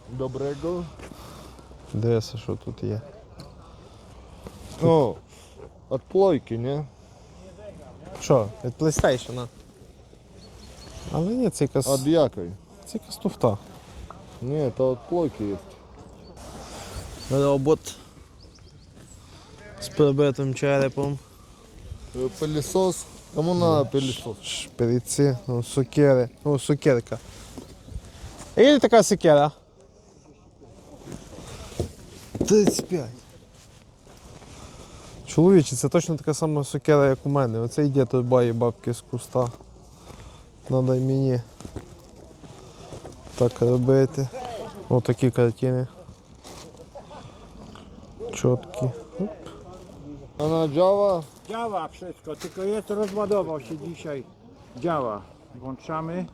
Доброго. Дивися, що тут є. О, от плойки, не? Що, від PlayStation? Але ні, це якась... От якої? Це якась туфта. Ні, то от плойки є. Робот з прибитим черепом. Пилісос. Кому надо пилісос? Шприці, ну, сокири. Ну, сокирка. Є така сокира? 35. Чоловіче, це точно така сама сокира, як у мене. Оце йде тут бає бабки з куста. Надо й мені так робити. Ось такі картини. Чіткі. A na Java? Działa wszystko, tylko jest rozładował się dzisiaj. Działa. Włączamy.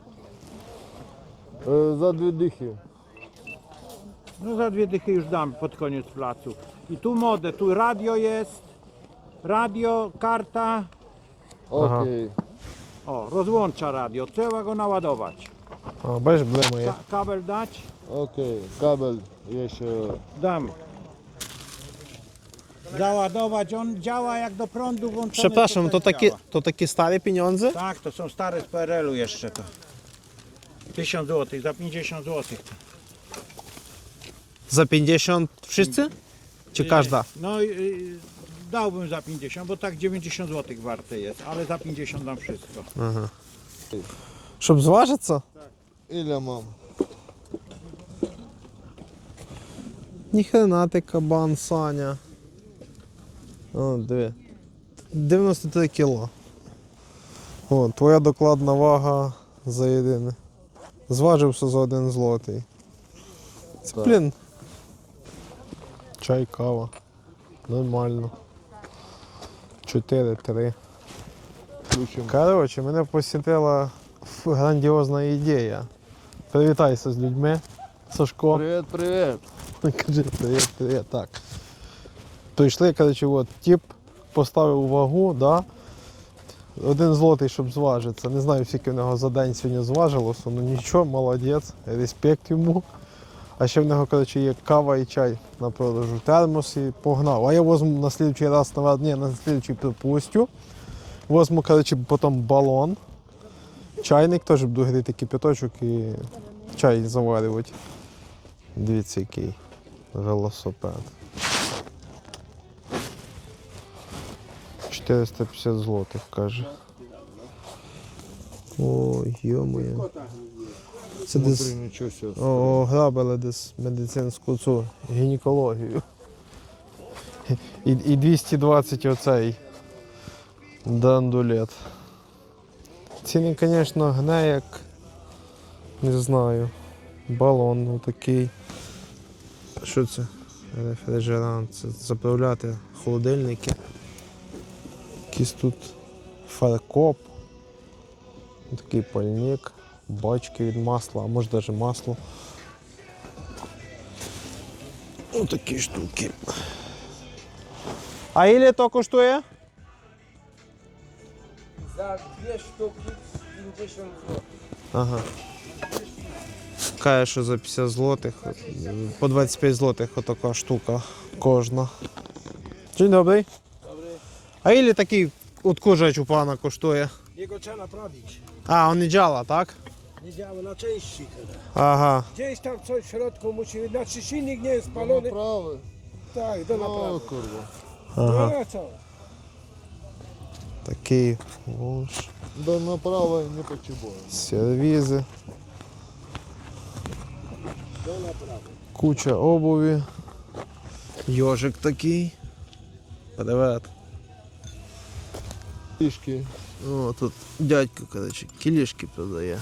Za 2 dychy. No za 2 dychy już dam pod koniec placu. I tu modę, tu radio jest. Radio, karta. Окей. O, rozłącza radio. Trzeba go naładować. А, бачиш, блимає. Kabel dać? Окей. Кабель є ще. Dam. Załadować, on działa jak do prądu włączony. Przepraszam, to też działa. to takie stare pieniądze? Tak, to są stare z PRL-u jeszcze to. 1000 zł, za 50 zł. За 50 wszyscy? Czy każda? No dałbym za 50, bo tak 90 zł warte jest, ale za 50 dam wszystko. Щоб зважитися? Ілля мам. Ніхрена ти кабан, Саня. О, диви. 93 кіло. О, твоя докладна вага за єдине. Зважився за 1 злотий. Це, Так. блін. Чай, кава. Нормально. 4-3. Включимо. Коротше, мене посітила грандіозна ідея. Привітайся з людьми, Сашко. Привіт, привіт. Кажи привіт, привіт, так. Прийшли, коротше, от, тип поставив вагу, да? 1 злотий, щоб зважитися. Не знаю, скільки в нього за день сьогодні зважилося, ну нічого, молодець, респект йому. А ще в нього, коротше, є кава і чай на продажу. Термос і погнав. А я возьму на слідчий раз, на слідчий припустю. Возьму, коротше, потім балон. Чайник теж буду гріти кипяточок і чай заварювати. Дивіться, який велосипед. 450 злотих, каже. Ой, йо-моє. Це Внутрі десь нічого себе. ограбили десь медицинську цю гінекологію. І 220 оцей драндулет. Ціни, звісно, гне як, не знаю, балон отакий. Що це? Рефрижерант. Це заправляти холодильники. Якийсь тут фаркоп. Такий пальник. Бачки від масла, а може навіть масло. Ось такі штуки. А ілі то коштує? За 2 штуки 50 зł. Ага. Каже, що за 50 злотих, по 25 злотих отака штука кожна. Dzień dobry. А ілі такий odkurzacz u pana kosztuje? Jego trzeba naprawić. A, on nie działa, tak? Nie działa na części tyle. Aha. Gdzieś tam coś w środku musi, znaczy silnik nie jest Do spalony. направи. Tak, do О, naprawy. курва. No a co? Такий вож, До направи не потребує. сервізи, Do naprawy. куча обуви. Йожик такий. Привет. Фішки. О, тут дядько, коротше, кілішки продає.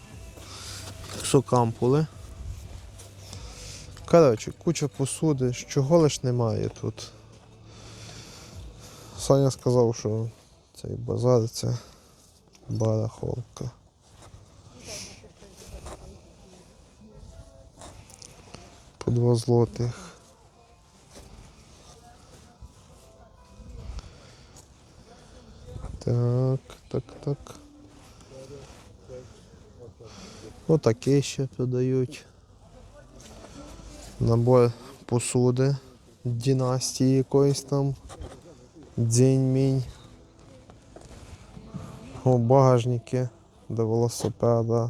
Сокампули. Коротше, куча посуди, чого лиш немає тут. Саня сказав, що цей базар це барахолка. По 2 злотих. Так. Отаке ще продають. Набор посуди династії якоїсь там. Дзінь-мінь. О, багажники до велосипеда.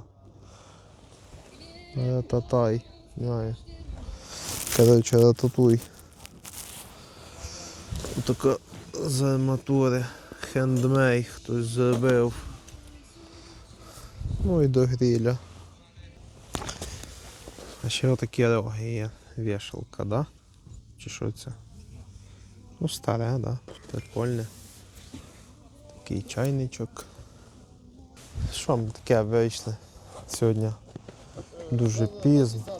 Татай. Знаю. Коротше, рататуй. Така з арматури. Хендмей хтось зробив. Ну і до гриля. А ще отакі роги є. Вішалка, да? Чи що це? Ну, старе, да. Прикольне. Такий чайничок. Що ми таке вийшли сьогодні? Дуже пізно.